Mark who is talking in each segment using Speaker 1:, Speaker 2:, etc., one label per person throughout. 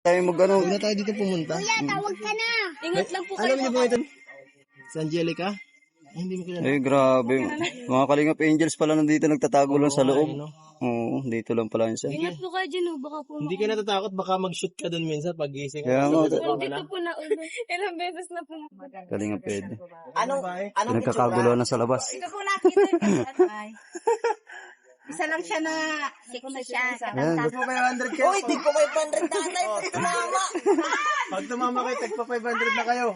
Speaker 1: Tayo mag-ano.
Speaker 2: Huwag na tayo dito pumunta.
Speaker 3: Kuya, tawag ka na. Ingat lang po kayo.
Speaker 2: Alam niyo ba ito? Si Angelica? Ay, hindi mo kilala.
Speaker 1: Eh, grabe. Mga Kalingap Angels pala nandito nagtatago lang sa loob.
Speaker 2: No?
Speaker 1: Oo, dito lang pala yun siya.
Speaker 3: Ingat po kayo dyan, baka po
Speaker 2: Hindi ka natatakot, baka mag-shoot ka dun minsan pag gising.
Speaker 1: Kaya nga,
Speaker 3: dito po na ulo. Ilang beses na po.
Speaker 1: Kalingap pwede.
Speaker 2: Anong
Speaker 1: Pinagkakagulo na sa labas.
Speaker 3: Ito po nakita niyo. Isa lang siya na siya.
Speaker 1: Ayan.
Speaker 2: Tag mo 500 kayo. Uy, tig ko 500 na tayo. Pag tumama. Pag tumama kayo, tag pa 500 na kayo.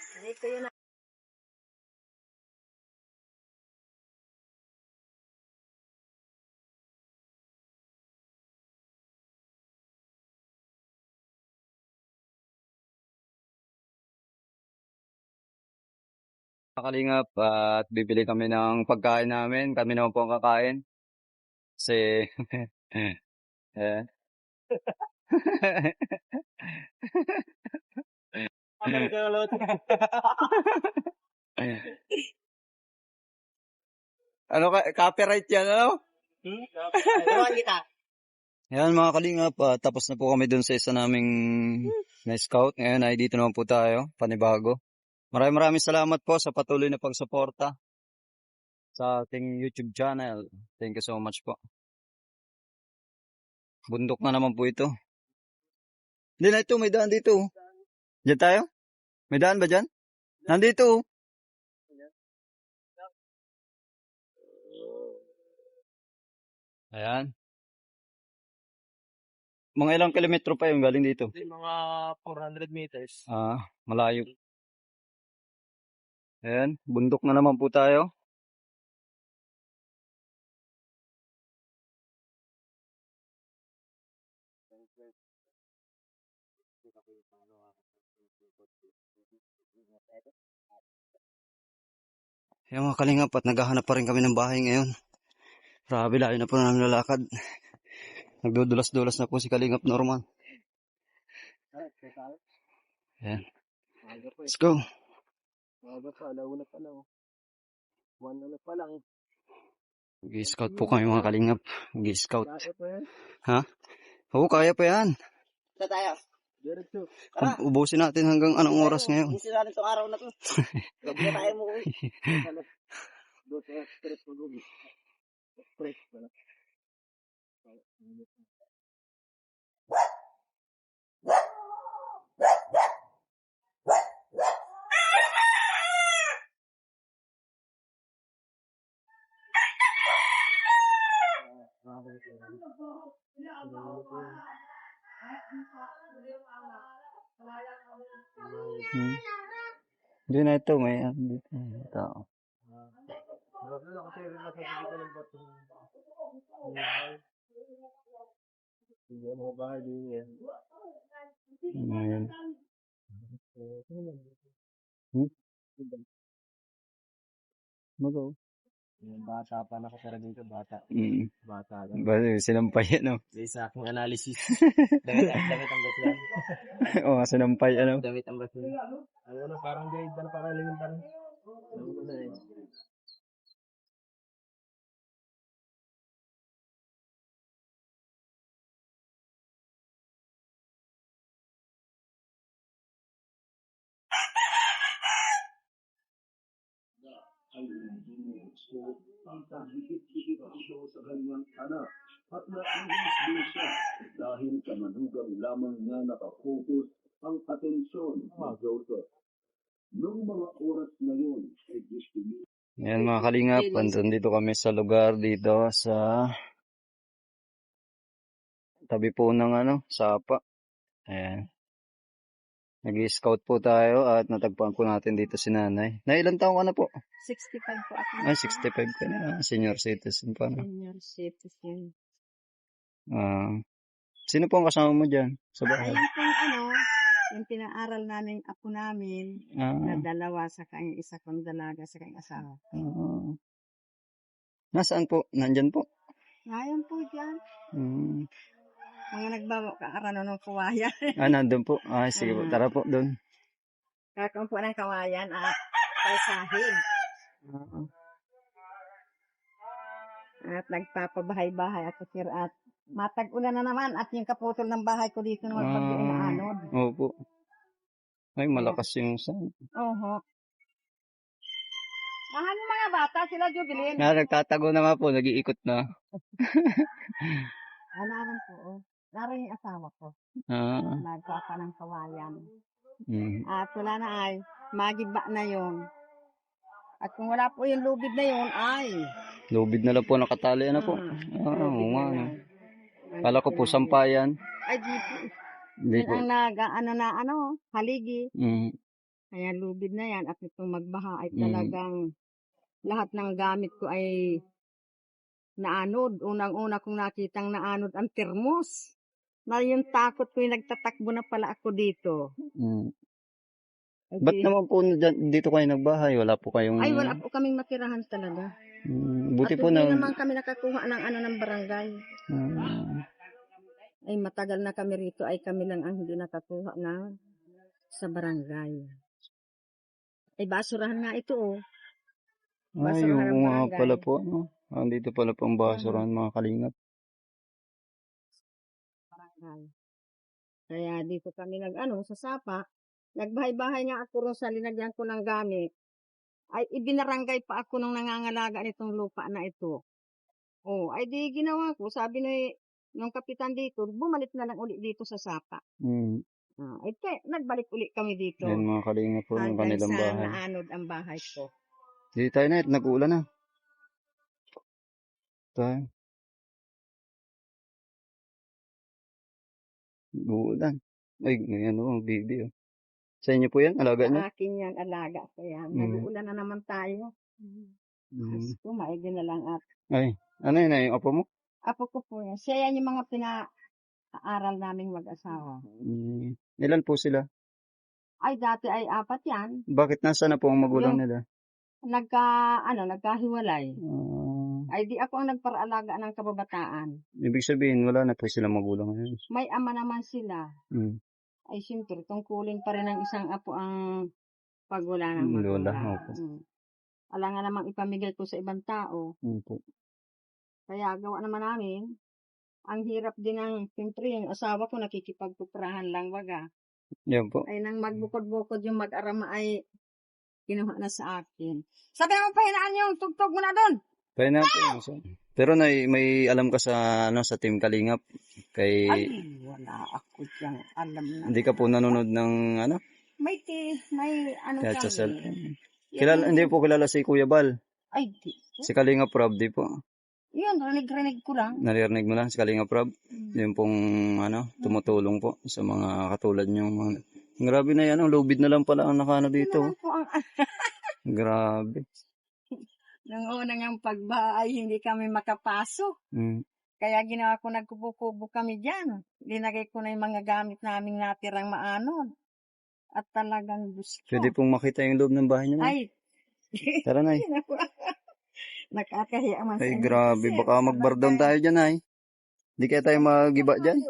Speaker 1: Mga Kalingap, at bibili kami ng pagkain namin. Kami naman po ang kakain. Kasi, eh. Ano ka, copyright yan, ano? Ayan mga Kalingap, tapos na po kami dun sa isa naming na-scout. Ngayon ay dito naman po tayo, panibago. Maraming salamat po sa patuloy na pagsuporta sa ating YouTube channel. Thank you so much po. Bundok na naman po ito. Hindi na ito, may daan dito. Diyan tayo? May daan ba dyan? Nandito. Ayan. Mga ilang kilometro pa yung galing dito?
Speaker 2: Mga 400 meters.
Speaker 1: Malayo. Ayan, bundok na naman po tayo. Ayan mga Kalingap, at naghahanap pa rin kami ng bahay ngayon. Grabe, layo na po namin lalakad. Nagdudulas-dulas na po si Kalingap Norman. Ayan. Let's go.
Speaker 2: Alauna pa lang. 1 pa lang.
Speaker 1: Mag-scout po kami mga Kalingap. Mag-scout.
Speaker 2: Kaya pa yan.
Speaker 1: Ha? Oo, kaya pa yan.
Speaker 2: Sa tayo. Diretso.
Speaker 1: Ubusin natin hanggang anong oras ngayon.
Speaker 2: Ubusin natin itong araw na to. Gabi na tayo mo. Doon sa stress mo doon. Stress pala.
Speaker 1: Hindi na ito, may tao.
Speaker 2: Hindi mo bahay din yan.
Speaker 1: Ayan. Mag-o.
Speaker 2: Yung bata pa nakatira dito, bata. Bata lang.
Speaker 1: Sinampay ano?
Speaker 2: Sa aking analysis. Damit ang basihan.
Speaker 1: Oo, sinampay ano?
Speaker 2: Damit ang basihan. Ano, parang guide na parang lingin pa rin.
Speaker 4: Ay so ang higit-higit ito sa kanyang anak at nainis din siya dahil sa manugang lamang niya nakapokus ang atensyon ni Joseph. Noong mga oras na yun ay gusto niya.
Speaker 1: Ayan mga Kalingap, dito kami sa lugar dito sa tabi po ng sapa. Ayan. Nag-i-scout po tayo at natagpuan po natin dito si nanay. Na ilang taong ka na po?
Speaker 3: 65 po ako.
Speaker 1: Ay, 65 ka na. Senior citizen pa na.
Speaker 3: Senior citizen.
Speaker 1: Sino po ang kasama mo dyan sa bahay?
Speaker 3: Ayun pong yung pinaaral namin apo namin, na dalawa sa kanyang isa kong dalaga sa kanyang asawa.
Speaker 1: Nasaan po? Nandyan po?
Speaker 3: Ngayon po dyan. Mga nagbawa-kaarano ng kawayan.
Speaker 1: Nandun po. Sige po. Tara po doon.
Speaker 3: Kakaon po ng kawayan at paisahin. At nagpapabahay-bahay at matag-ulan na naman at yung kaputol ng bahay ko dito ng magbagyo na
Speaker 1: Opo. Ay, malakas yung sound.
Speaker 3: Oho. Mahal yung mga bata, sila Jubilin.
Speaker 1: Nagtatago na nga po, nag-iikot na.
Speaker 3: Naman po, oh. Naroon yung asawa ko.
Speaker 1: Ah,
Speaker 3: Nagpapa ng kawayan.
Speaker 1: mm.
Speaker 3: At wala na ay, magiba na yon. At kung wala po yung lubid na yon, ay.
Speaker 1: Lubid na lang po nakatali na po. Oo nga. No. Kala ko po sampayan.
Speaker 3: Ay, di po.
Speaker 1: Hindi
Speaker 3: Yun
Speaker 1: po.
Speaker 3: ang haligi.
Speaker 1: Mm.
Speaker 3: Kaya lubid na yan. At itong magbaha ay
Speaker 1: Mm.
Speaker 3: talagang lahat ng gamit ko ay naanod. Unang-una kong nakitang naanod ang termos. Na yung takot ko yung nagtatakbo na pala ako dito.
Speaker 1: Mm.
Speaker 3: Ay,
Speaker 1: Ba't naman po dito kayo nagbahay? Wala po kayong...
Speaker 3: ay, wala po kaming matirahan talaga.
Speaker 1: Buti
Speaker 3: At
Speaker 1: po
Speaker 3: hindi
Speaker 1: na...
Speaker 3: naman kami nakakuha ng barangay. Ay matagal na kami rito, ay kami lang ang hindi nakakuha na sa barangay. Ay basurahan nga ito, oh.
Speaker 1: Ay,
Speaker 3: Basurahan ng
Speaker 1: oo nga
Speaker 3: barangay.
Speaker 1: pala po. No? Dito pala po ang basurahan, mga kalingap.
Speaker 3: Barangay. Kaya dito kami sa sapa. Nagbahay-bahay nga ako ron sa linagyan ko ng gamit. Ay ibinarangay pa ako nung nangangalaga nitong lupa na ito. Oh, ay di ginawa ko. Sabi nung kapitan dito, bumalik na lang uli dito sa sapa.
Speaker 1: Mm.
Speaker 3: Ay nagbalik uli kami dito.
Speaker 1: Yan mga kalingap po ng
Speaker 3: Hanggang
Speaker 1: kanilang
Speaker 3: sa
Speaker 1: bahay.
Speaker 3: naanod ang bahay ko.
Speaker 1: Dito tayo na, nag-uulan na. Tayo. Nag-uulan. Ay, ngayon o, baby. Oh. Sa inyo po yan? Alaga niyo?
Speaker 3: Sa akin yan, alaga ko yan. Nag-uulan na naman tayo. Mas maigi na lang at
Speaker 1: Ay, ano yun na yung apo mo?
Speaker 3: apo ko po yan. Siya yan yung mga pinaaral naming mag-asawa.
Speaker 1: Ilan po sila?
Speaker 3: Ay, dati ay 4 yan.
Speaker 1: Bakit nasa na po ang magulang nila?
Speaker 3: Nagkahiwalay. Ay, di ako ang nagparaalaga ng kababataan.
Speaker 1: Ibig sabihin, wala na po sila magulang ngayon.
Speaker 3: May ama naman sila.
Speaker 1: Mm.
Speaker 3: Ay, siyempre, tungkulin pa rin ng isang apo ang pagwala ng magulang.
Speaker 1: Lola, opo.
Speaker 3: Wala nga namang ipamigay ko sa ibang tao.
Speaker 1: Opo.
Speaker 3: Kaya gawa naman namin, ang hirap din ng, siyempre, yung asawa ko nakikipagpuprahan lang waga.
Speaker 1: Yan po.
Speaker 3: Ay nang magbukod-bukod yung mag-arama ay kinuha na sa akin. Sabi mo, pahinaan yung tugtog mo na doon.
Speaker 1: Kaya na po. Pero may alam ka sa Team Kalingap?
Speaker 3: Ay, wala ako diyang alam na.
Speaker 1: Hindi ka po nanonood ng
Speaker 3: May
Speaker 1: Kaya sa
Speaker 3: kami.
Speaker 1: cellphone. Hindi po kilala si Kuya Bal.
Speaker 3: Ay, di.
Speaker 1: Si Kalingap Rob, di po.
Speaker 3: Yun, rinig-rinig ko lang.
Speaker 1: Naririnig mo lang si Kalingap Rob. Yung pong tumutulong po sa mga katulad nyo. Grabe na yan. Lubid na lang pala ang nakano dito.
Speaker 3: Yun po ang
Speaker 1: Grabe.
Speaker 3: nang unang ang pagbaha ay hindi kami makapasok. Kaya ginawa ko, nagkubo-kubo kami dyan. Linagay ko na yung mga gamit namin natirang maanod. At talagang gusto.
Speaker 1: Pwede pong makita yung loob ng bahay niyo.
Speaker 3: Ay.
Speaker 1: Tara na.
Speaker 3: Nakakahiya man sa
Speaker 1: Ay,
Speaker 3: inyo
Speaker 1: grabe.
Speaker 3: kasi
Speaker 1: Baka mag-bar down tayo dyan, ay. Hindi kaya tayo mag-iba dyan.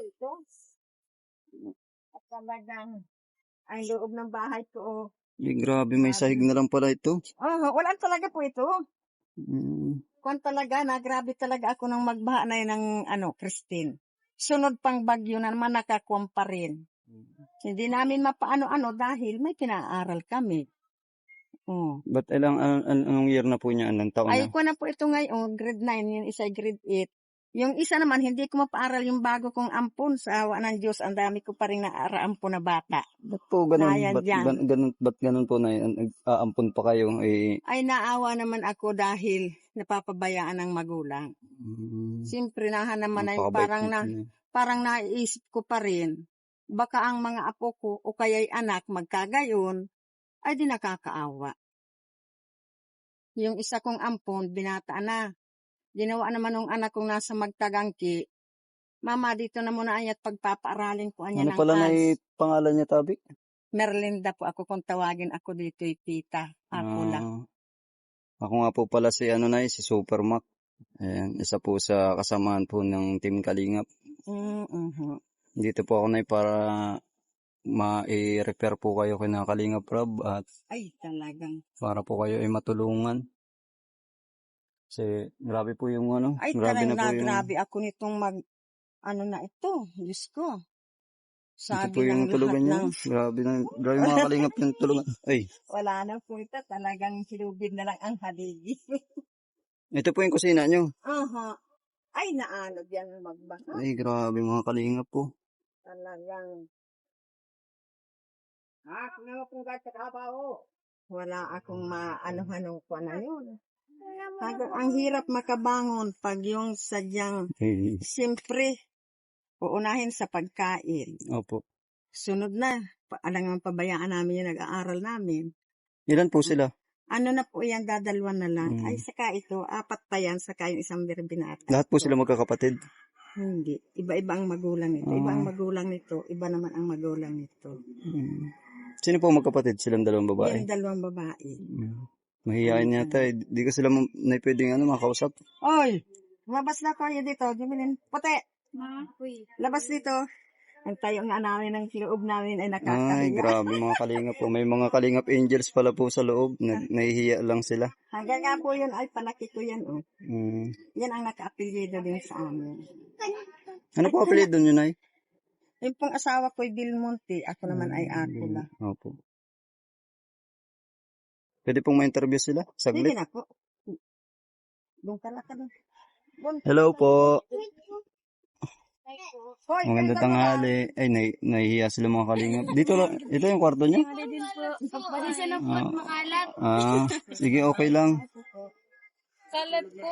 Speaker 3: At talagang ang loob ng bahay ko.
Speaker 1: Ay, grabe. May sahig na lang pala ito.
Speaker 3: Wala talaga po ito. Kung talaga grabe talaga ako nang magbaha na yun ng Christine. Sunod pang bagyo na naman nakakuwam pa rin. Hindi namin mapaano-ano dahil may pinaaral kami.
Speaker 1: But anong year na po niya? Anong taon
Speaker 3: Ay,
Speaker 1: na?
Speaker 3: ko na po ito ngayon, grade 9, yung isa grade 8. Yung isa naman, hindi ko mapaaral yung bago kong ampon sa awa ng Diyos. Ang dami ko pa rin naaraampon na bata.
Speaker 1: Ba't po ganun?
Speaker 3: Ayan
Speaker 1: Ba't ganun po na aampon pa kayo?
Speaker 3: Ay, naawa naman ako dahil napapabayaan ng magulang. Siyempre, naman ay parang naiisip ko pa rin. Baka ang mga apo ko o kaya'y anak magkagayon, ay di nakakaawa. Yung isa kong ampon, binata na. Ginawa naman ng anak kong nasa magtagangki, Mama, dito na muna ay at pagpapaaralin ko anya ng
Speaker 1: pala na
Speaker 3: ads.
Speaker 1: pangalan niya, Tabi?
Speaker 3: Merlinda po ako kung tawagin ako dito, tita. Ako lang.
Speaker 1: Ako nga po pala si si Super Mac. Ayan, isa po sa kasamahan po ng Team Kalingap. Dito po ako para ma-repair po kayo kina Kalingap Rob at
Speaker 3: ay talagang
Speaker 1: para po kayo ay matulungan. Kasi grabe po yung
Speaker 3: ay
Speaker 1: grabe
Speaker 3: talagang
Speaker 1: na po
Speaker 3: grabe ako nitong na ito, Diyos ko.
Speaker 1: Ito po
Speaker 3: Sabi
Speaker 1: yung
Speaker 3: ng
Speaker 1: tulugan
Speaker 3: lahat
Speaker 1: niya.
Speaker 3: ng
Speaker 1: Grabe mga kalingap yung tulungan. Ay,
Speaker 3: wala na po ito. Talagang silubid na lang ang haligi.
Speaker 1: ito po yung kusina nyo.
Speaker 3: Aha. Ay, naano yan magbaha.
Speaker 1: Ay, grabe mga kalingap po.
Speaker 3: Talagang. Wala akong maano-hanong ko na yun. Ang hirap makabangon pag yung sadyang,
Speaker 1: Eh,
Speaker 3: siyempre, uunahin sa pagkain.
Speaker 1: opo.
Speaker 3: Sunod na, alang pabayaan namin yung nag-aaral namin.
Speaker 1: Ilan po sila?
Speaker 3: Ano na po yan, dadalwan na lang.
Speaker 1: Mm.
Speaker 3: Ay, saka ito, 4 pa yan, saka yung isang birbinata.
Speaker 1: Lahat po sila magkakapatid.
Speaker 3: Hindi. Iba-iba ang magulang nito. Iba ang magulang nito. Iba naman ang magulang nito.
Speaker 1: Sino po magkapatid? Silang dalawang babae?
Speaker 3: Yan, 2 babae.
Speaker 1: Mahihain yata eh. Di ko sila na pwedeng makausap.
Speaker 3: Oy! Lumabas na kayo dito. Jubilin. Puti! Labas dito. Ang tayo nga namin ng loob namin ay
Speaker 1: Ay,
Speaker 3: nakakahiya.
Speaker 1: grabe mga kalingap po. May mga kalingap angels pala po sa loob. Nahihiya lang sila.
Speaker 3: Hanggang nga po yun ay panakit ko yan. Oh.
Speaker 1: Mm.
Speaker 3: Yan ang naka-apelyido din sa amin.
Speaker 1: Ano po apelido nyo, Nay?
Speaker 3: Yung pong asawa ko'y Bilmonte. Ako naman ay Akula.
Speaker 1: Opo. Pwede pong ma-interview sila?
Speaker 3: Sige
Speaker 1: Saglit.
Speaker 3: na po. Doon ka na ka doon.
Speaker 1: Hello po.
Speaker 3: Hoy,
Speaker 1: Maganda tanghali. Ay, nahihiya sila mga kalingap. Dito lang. Ito yung kwarto nyo?
Speaker 5: Din po. Pasensya na po at makalat.
Speaker 1: Sige, okay lang.
Speaker 5: Kalat po.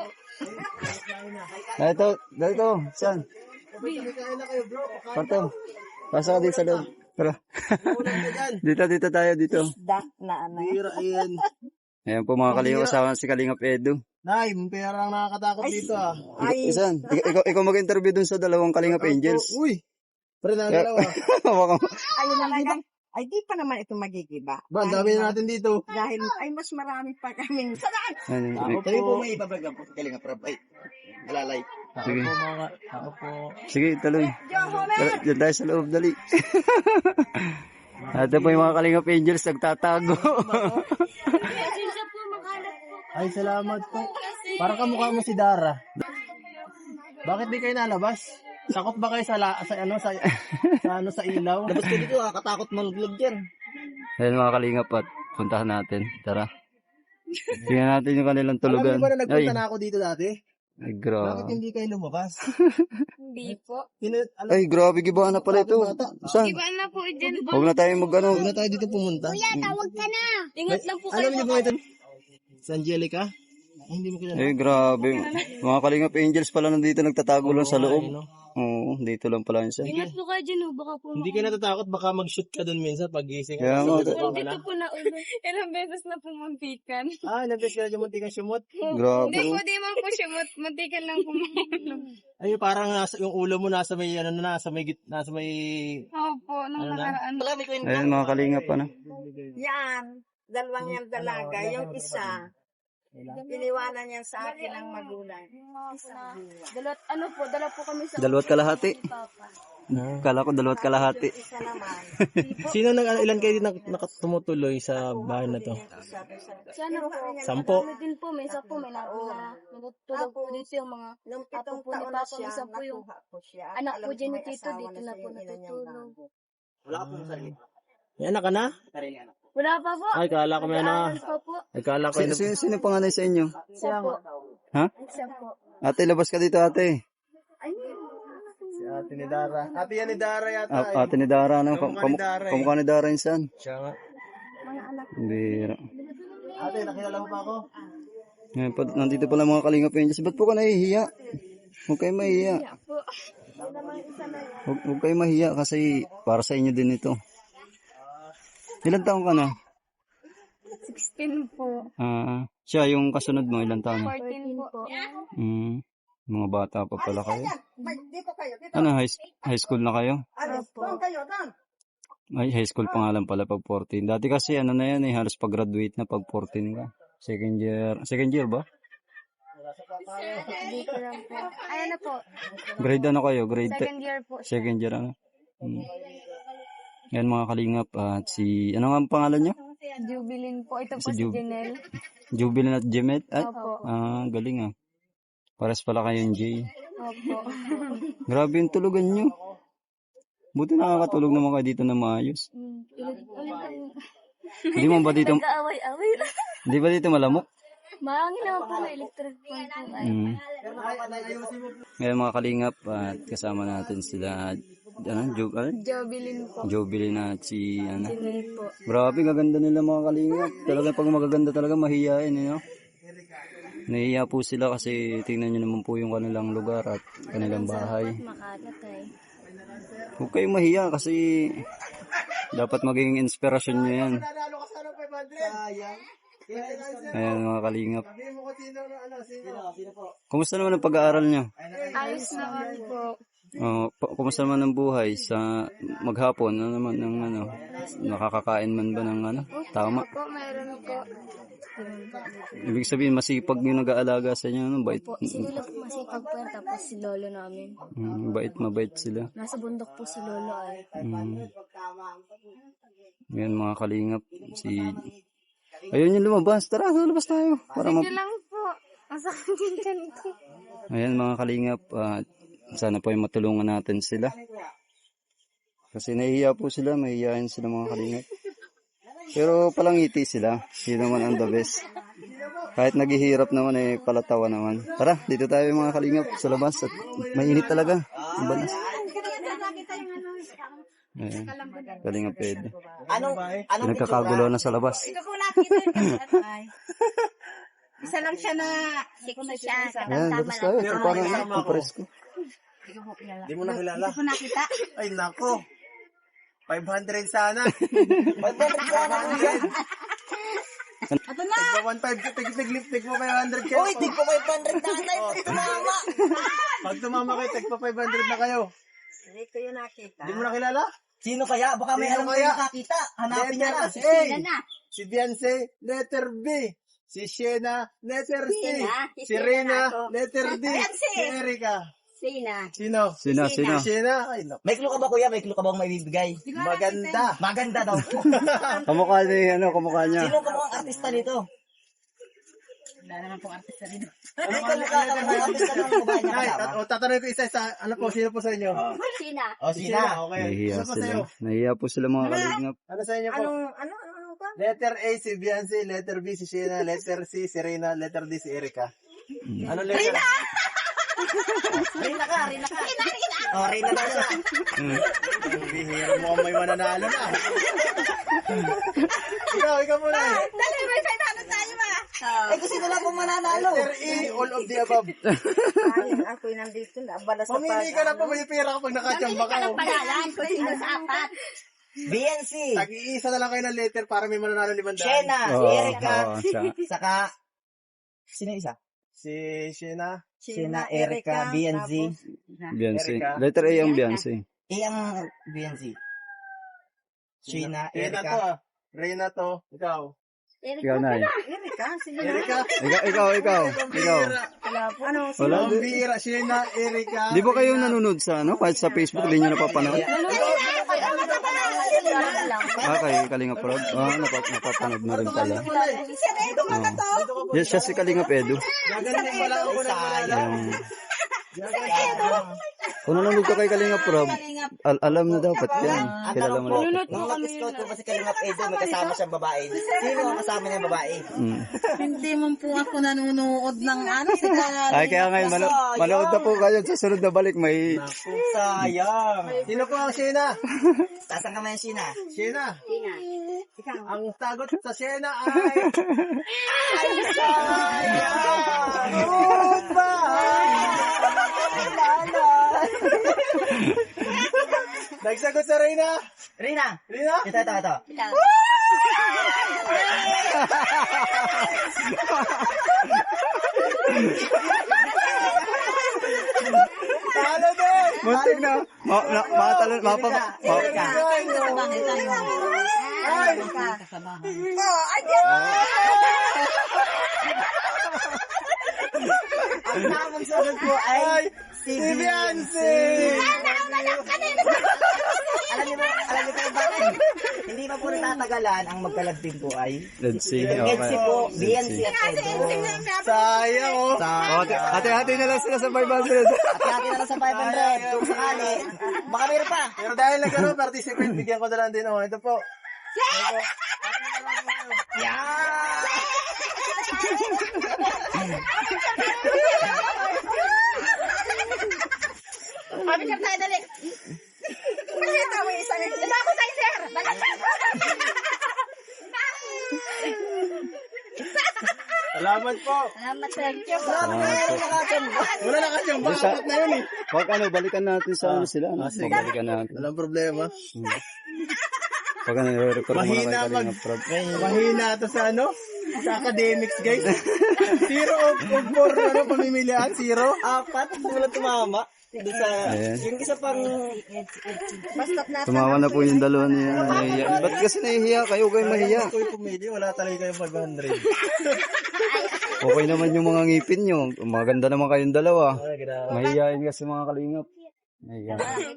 Speaker 1: Dito. Saan? Kwarto. Pasa ka din sa loob. Tara. dito tayo, dito.
Speaker 3: Dak na ano.
Speaker 1: Ayan po mga kalingap, kasama si Kalingap Edu.
Speaker 2: Nay, may pera ang nakakatakot dito ah.
Speaker 3: Ay,
Speaker 1: Isan, ikaw mag-interview dun sa dalawang Kalingap Angels.
Speaker 2: Uy! Pre na dalawa.
Speaker 3: ayun na lang. Ay, di pa naman ito magigiba.
Speaker 2: Ba, ang dami na natin dito.
Speaker 3: Dahil, ay, mas marami pa kaming.
Speaker 2: Kami po may ibabaga po. Kalinga prab. Ay, alalay.
Speaker 1: Sige.
Speaker 2: Ako po.
Speaker 1: Sige, tuloy. Diyan tayo sa loob, dali. Ito po yung mga Kalingap Angels nagtatago.
Speaker 5: Pasensya po, makalat po.
Speaker 2: Ay, salamat po. Parang kamukha mo si Dara. Bakit di kayo nalabas? Sakot ba kayo sa ilaw? Labas ko dito ah, katakot maluglog yan.
Speaker 1: Ayan mga Kalingap at puntahan natin. Tara. Tingnan natin yung kanilang tulugan.
Speaker 2: Alam niyo ba na nagpunta na ako dito dati?
Speaker 1: Ay,
Speaker 2: Bakit
Speaker 1: grabe.
Speaker 2: hindi kayo lumabas?
Speaker 5: Hindi po.
Speaker 1: Ay, grabe, gibaan na pala ito. Saan?
Speaker 5: Ibaan na po dyan po.
Speaker 1: Huwag na tayo
Speaker 2: Huwag na tayo dito pumunta.
Speaker 5: Tawag ka na. Ingat lang po kayo.
Speaker 2: Alam niyo ba ito? Si Angelica? Ay, hindi mo kilala.
Speaker 1: Ay, grabe. Mga Kalingap Angels pala nandito nagtatago lang sa loob. Oo, dito lang pala yun siya.
Speaker 5: Ingat po kayo dyan. Baka po
Speaker 2: Hindi ka natatakot, baka mag-shoot ka dun minsan pag gising.
Speaker 1: Kaya nga.
Speaker 5: Dito po na ulo. Ilang beses na pumuntikan.
Speaker 2: Ah, nabes ka na dyan muntikan sumot.
Speaker 1: Grabe.
Speaker 5: Hindi po, di man po siya. Muntikan lang po.
Speaker 2: Ay, parang yung ulo mo nasa may, nasa may...
Speaker 5: Opo, nung nakaraan.
Speaker 1: Ayan mga Kalingap
Speaker 3: Yan. Dalawang yan dalaga. Yung isa, iniwanan yan sa akin ng magulang.
Speaker 5: Dala po kami sa
Speaker 1: Dalawat kalahati.
Speaker 5: Papa.
Speaker 1: Kala ko dalawat kalahati.
Speaker 3: Isa naman.
Speaker 2: Sino ilan kayo nakatumutuloy sa bahay na to?
Speaker 5: Sana po.
Speaker 2: 10.
Speaker 5: Kami din po, may isa po, may natutulog po dito yung mga
Speaker 3: Nung
Speaker 5: apo
Speaker 3: 7
Speaker 5: po ni
Speaker 3: taon na
Speaker 5: Papa,
Speaker 3: siya,
Speaker 5: isa po yung
Speaker 3: nakuha ko siya.
Speaker 5: anak
Speaker 3: Alam
Speaker 5: po
Speaker 3: ko
Speaker 5: dyan ni
Speaker 3: may
Speaker 5: Tito,
Speaker 3: asawa
Speaker 5: dito na
Speaker 3: siya,
Speaker 5: po
Speaker 3: yung ina niyang
Speaker 5: natutulog.
Speaker 3: bago.
Speaker 2: Wala po sarili. May anak ka na?
Speaker 5: Wala pa po.
Speaker 2: Ay, kala ko may anak.
Speaker 5: Nag-aaral pa po.
Speaker 2: Ay, kala ko
Speaker 1: Sino panganay sa inyo?
Speaker 5: Isa po.
Speaker 1: Ha?
Speaker 5: Isa po.
Speaker 1: Ate, labas ka dito ate.
Speaker 2: si ate ni Dara. Ate yan ni Dara yata.
Speaker 1: Ate ni Dara. Ano?
Speaker 2: Kamukha ni Dara eh.
Speaker 1: Kamukha ni Dara insan.
Speaker 2: Siya nga.
Speaker 1: Bira.
Speaker 2: Ate, nakilala mo pa ako?
Speaker 1: Ngayon, nandito pala mga Kalingap Angels. Ba't po ka nahihiya? Huwag kayo mahihiya. Huwag kayo mahihiya kasi para sa inyo din ito. Ilan taong ka na?
Speaker 5: 16 po.
Speaker 1: Siya yung kasunod mo, ilan taon na?
Speaker 5: 14 po.
Speaker 1: Mga bata pa pala kayo.
Speaker 3: Dito kayo, dito.
Speaker 1: Ano, high school na kayo?
Speaker 3: Ano, doon kayo, doon.
Speaker 1: Ay, high school pa nga lang pala pag 14. Dati kasi ano na yan halos pag-graduate na pag 14 ka. Second year ba?
Speaker 5: Dito lang po. Ayan na po.
Speaker 1: Grade ano kayo? Grade
Speaker 5: Second year po.
Speaker 1: second year ano? Yan mga Kalingap at si, ano nga ang pangalan niya?
Speaker 5: Jubilin po. Ito po
Speaker 1: Si
Speaker 5: si
Speaker 1: Jub.
Speaker 5: Janelle.
Speaker 1: Jubilin at Jemet? Ay,
Speaker 5: Opo.
Speaker 1: galing Pares pala kayong J.
Speaker 5: Opo.
Speaker 1: Grabe yung tulugan nyo. Buti nakakatulog naman kayo dito na maayos.
Speaker 5: Ulit.
Speaker 1: Hindi mo ba dito,
Speaker 5: Nag-aaway-away.
Speaker 1: hindi ba dito malamok?
Speaker 5: Mahangin naman po na electric fan po ay.
Speaker 1: Ngayon mga kalingap, at kasama natin sila,
Speaker 5: Jobilin po.
Speaker 1: Jobilin at si,
Speaker 5: Sinay po.
Speaker 1: grabe, gaganda nila mga kalingap. Talaga pag magaganda talaga, mahihain, Nahihiya po sila kasi tingnan nyo naman po yung kanilang lugar at kanilang bahay.
Speaker 5: Makalat ay.
Speaker 1: Huwag kayong mahiya kasi dapat maging inspirasyon nyo yan. Ayan mga kalingap. Kumusta naman ang pag-aaral nyo?
Speaker 5: Ayos naman po.
Speaker 1: Kumusta naman ang buhay sa maghapon? Ano naman ng nakakakain man ba ng tama?
Speaker 5: Po, mayroon po.
Speaker 1: Ibig sabihin masipag yung nag-aalaga sa inyo, bait.
Speaker 5: Po, si Lolo po masipag po yan, tapos si Lolo namin.
Speaker 1: Mabait sila.
Speaker 5: Nasa bundok po si Lolo ay.
Speaker 1: Yan mga kalingap, ayun yung lumabas. Tara, lumabas tayo.
Speaker 5: Sige lang po. Masakit din dyan ito.
Speaker 1: Ayan mga kalingap, sana po ay matulungan natin sila. Kasi nahihiya po sila, mahihiyain sila mga kalingap. Pero palangiti sila, yun naman ang the best. Kahit naghihirap naman palatawa naman. Tara, dito tayo mga kalingap sa labas at mainit talaga. Ang banas. Ayan, kalingap Ed.
Speaker 2: Anong
Speaker 1: Nagkakagulo na sa labas.
Speaker 3: Ito po nakita yung isa lang siya na sexy siya.
Speaker 1: Ayan, labas tayo. Ito parang ang presko.
Speaker 2: Hindi mo na kilala.
Speaker 3: Ito po nakita.
Speaker 2: Ay, nako. 500 sana. 500 sana.
Speaker 3: Ito na.
Speaker 2: Tig mo 500 kayo. Uy, tig mo 500 na tayo. Pag tumama. Pag tumama kayo, tig pa 500 na kayo.
Speaker 3: Hindi ko yun nakita.
Speaker 2: Hindi mo na kilala? Sino kaya? Baka may alam kayo nakakita. Hanapin niya na. Si Beyonce, letter B. Si Shena, letter C. Si Rina, letter D. Si Erika. Sino? Shena. Ay, no. May clue ka ba kuya? May clue ka bang may bibigay? Maganda. Maganda daw.
Speaker 1: Kamukha niya.
Speaker 2: Sino ka bang artista nito?
Speaker 3: Wala naman pong artista dito.
Speaker 2: Ano ka bang artista ng babae niya kasama?
Speaker 6: Tatanungin ko isa-isa. Ano po? Sino po sa inyo?
Speaker 5: Sina.
Speaker 2: O, Sina.
Speaker 6: Okay.
Speaker 1: Nahihiya
Speaker 6: Ano po sa
Speaker 1: sila.
Speaker 6: inyo?
Speaker 1: Nahihiya po sila mga kalingap.
Speaker 6: Ano sa inyo po?
Speaker 3: Ano ba?
Speaker 6: Letter A si Beyonce, letter B si Shena, letter C si Rina, letter D si Erika. Ano letter?
Speaker 2: Rina ka. O, Rina daw siya.
Speaker 6: Bihira mo may mananalo na. ikaw muna eh.
Speaker 3: Dali, may 500 tayo ba?
Speaker 2: Eh, kung sino lang kung mananalo.
Speaker 6: Letter E, all of the above.
Speaker 3: Ayun, ako'y nandito na. Abala sa
Speaker 6: Mamili ka na po, may pera kapag nakachamba ka.
Speaker 5: Palalan kung sino sa apat.
Speaker 2: BNC.
Speaker 6: Tag-iisa na lang kayo ng letter para may mananalo 500.
Speaker 2: Shena.
Speaker 1: Oo,
Speaker 2: Erika.
Speaker 1: siya.
Speaker 2: Saka, sino isa?
Speaker 6: Si Shena.
Speaker 2: Shena, Erika, BNC.
Speaker 1: Beyonce.
Speaker 6: Erika.
Speaker 1: Letter A ang Beyonce.
Speaker 2: Ang BNC. Shena,
Speaker 6: Rina to
Speaker 2: Erika.
Speaker 6: ah. Rina to. Ikaw.
Speaker 1: Ikaw na
Speaker 3: Erika, sige na.
Speaker 6: Erika.
Speaker 1: Ikaw.
Speaker 3: Ano?
Speaker 1: Wala.
Speaker 6: Ang bihira. Shena, Erika.
Speaker 1: Di ba kayo nanonood sa kahit sa Facebook, hindi nyo napapanood? Kayo Kalingap Rob? Napapanood na rin pala. Yes, siya si Kalingap Edu.
Speaker 6: Gagaling pala ako na
Speaker 1: Um, kung nanonood ka kay Kalingap Rob, alam na dapat yan. Kilala mo na.
Speaker 2: Nung nag-scout ko pa si Kalingap Edo, may kasama siyang babae. Sino ang kasama niyang babae?
Speaker 3: Hindi mo po ako nanonood ng si
Speaker 1: Ay, kaya ngayon, manood na po kayo sa sunod na balik. May
Speaker 2: Sayang.
Speaker 6: Sino po ang Shena?
Speaker 2: Tasan ka man yung Shena.
Speaker 6: Shena. Ang sagot sa Shena ay... Nagsagot sa Rina.
Speaker 2: Rina.
Speaker 6: Rina?
Speaker 2: Ito.
Speaker 6: Talo din.
Speaker 1: muntik na. Matalon.
Speaker 2: Ang tamang sagot ko ay
Speaker 6: Si Beyonce.
Speaker 2: Alam niyo ba bakit? Hindi pa po natatagalan, ang magkalagpin po ay
Speaker 1: Let's see.
Speaker 2: Edsi po, BNC at Edo.
Speaker 6: Sayang oh.
Speaker 1: Hati-hati na lang sila sa 500.
Speaker 2: Hati-hati na lang sa 500 kung sakali. Baka meron pa.
Speaker 6: Pero dahil nagkaroon participate, bigyan ko na lang din oh. Ito po.
Speaker 5: Kami sir tayo, dali. Pakita mo isa. Ito ako tayo, sir. Dali.
Speaker 6: Salamat po.
Speaker 5: Salamat, sir.
Speaker 6: Wala nakachamba. Dapat na yun eh.
Speaker 1: Wag balikan natin sa ano sila.
Speaker 6: sige.
Speaker 1: Balikan natin.
Speaker 6: Walang problema.
Speaker 1: Pag nire-record mo na
Speaker 6: Mahina
Speaker 1: kay Kalinga Prab.
Speaker 6: Mahina to sa ano? Sa academics, guys. 0 of 4 pamimilian, 0.
Speaker 2: Apat, walang tumama. Doon sa,
Speaker 1: Ayan.
Speaker 2: yung isa pang,
Speaker 1: Tumawa na po yung dalawa niya. Ba't kasi nahihiya kayo? Kayo mahiya.
Speaker 6: Kung kayo pumili, wala talaga kayong 500.
Speaker 1: Okay naman yung mga ngipin nyo. Maganda naman kayong dalawa.
Speaker 6: Ay, grabe.
Speaker 1: Mahihiyain kasi mga kalingap. Mahihiya.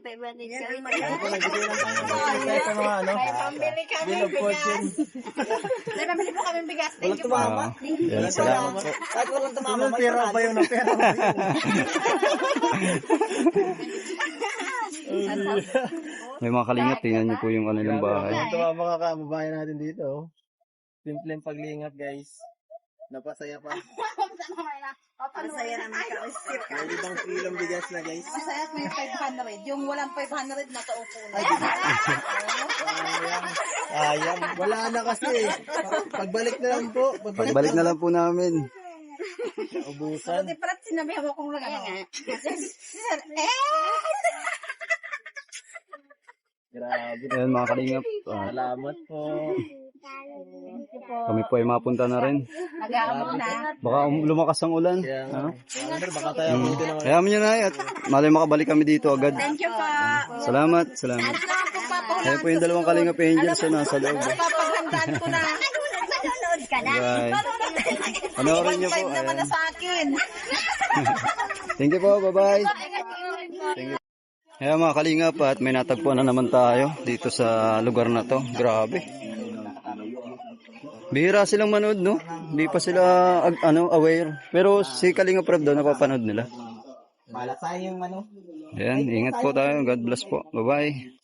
Speaker 6: Kahit sa mga ano,
Speaker 5: Pambili kami
Speaker 6: bill of fortune.
Speaker 5: May pambili po kami bigas.
Speaker 2: walang tumama.
Speaker 1: Yan, salamat po.
Speaker 2: Kahit walang tumama,
Speaker 6: Ano,
Speaker 2: may
Speaker 6: pera
Speaker 2: panalo.
Speaker 6: ba yun ang pera?
Speaker 1: May mga kalingap. Tingnan nyo po yung kanilang bahay.
Speaker 6: Ito ang mga kababayan natin dito. oh. Simpleng paglingat, guys. Napasaya pa.
Speaker 5: Masaya naman ka.
Speaker 6: May 5 kilong bigas na, guys.
Speaker 5: Masaya may 500. Yung walang 500 na kaupo na.
Speaker 6: Sayang. Wala na kasi. Pagbalik na lang po.
Speaker 1: Pagbalik na lang po namin.
Speaker 6: Ubusan.
Speaker 5: Di parat sinabi ako kung lang ano.
Speaker 6: Grabe.
Speaker 1: Ayan mga kalingap.
Speaker 6: Salamat po.
Speaker 1: Kami po ay mapunta na rin.
Speaker 5: Nag-aamot na.
Speaker 1: Baka lumakas ang ulan.
Speaker 6: Kaya nga.
Speaker 1: Ha?
Speaker 6: Sir, baka tayo dito naman.
Speaker 1: Kaya nyo na at malay makabalik kami dito agad.
Speaker 5: Thank you po.
Speaker 1: Salamat. Salamat.
Speaker 5: Salamat po pa po.
Speaker 1: Ayan po yung dalawang kalingap angels na nasa loob.
Speaker 5: Papaghandaan ko na. Nanonood ka na.
Speaker 1: Right. Panoorin nyo po.
Speaker 5: Naman na
Speaker 1: Ayan.
Speaker 5: sa akin.
Speaker 1: Thank you po. Bye-bye. Kaya mga kalingap at may natagpuan na naman tayo dito sa lugar na to. Grabe. Bihira silang manood, no? Hindi pa sila aware. Pero si Kalinga Prab daw napapanood nila.
Speaker 2: Balat tayo yung ano.
Speaker 1: Ayan, ingat po tayo. God bless po. Bye-bye.